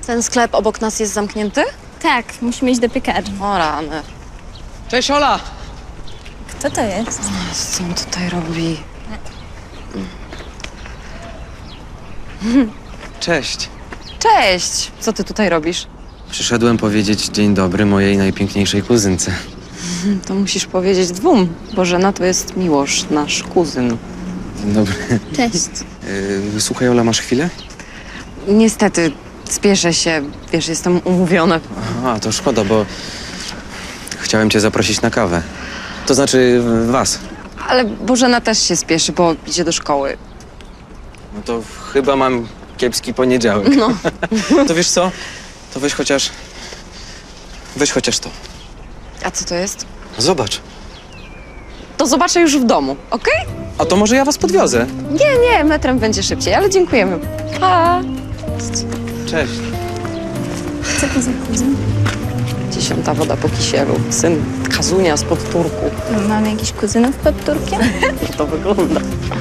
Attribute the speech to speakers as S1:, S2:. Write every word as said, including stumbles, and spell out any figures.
S1: Ten sklep obok nas jest zamknięty?
S2: Tak, musimy iść do piekarni.
S1: O rany.
S3: Cześć, Ola!
S2: Kto to jest?
S1: Co on tutaj robi?
S3: Cześć.
S1: Cześć! Co ty tutaj robisz?
S3: Przyszedłem powiedzieć dzień dobry mojej najpiękniejszej kuzynce.
S1: To musisz powiedzieć dwóm. Bożena to jest Miłosz, nasz kuzyn.
S3: Dzień dobry.
S2: Cześć.
S3: Yy, słuchaj, Ola, masz chwilę?
S1: Niestety, spieszę się. Wiesz, jestem umówiona.
S3: A, to szkoda, bo chciałem cię zaprosić na kawę. To znaczy was.
S1: Ale Bożena też się spieszy, bo idzie do szkoły.
S3: No to chyba mam kiepski poniedziałek.
S1: No.
S3: To wiesz co? To weź chociaż... Weź chociaż to.
S1: A co to jest?
S3: Zobacz.
S1: To zobaczę już w domu, okej?
S3: A to może ja was podwiozę.
S1: Nie, nie, metrem będzie szybciej, ale dziękujemy. Pa!
S3: Cześć.
S2: Co to za kuzyn?
S1: Dziesiąta woda po kisielu. Syn Kazunia z Podturku.
S2: Mamy jakichś kuzynów pod Turkiem?
S1: No to wygląda.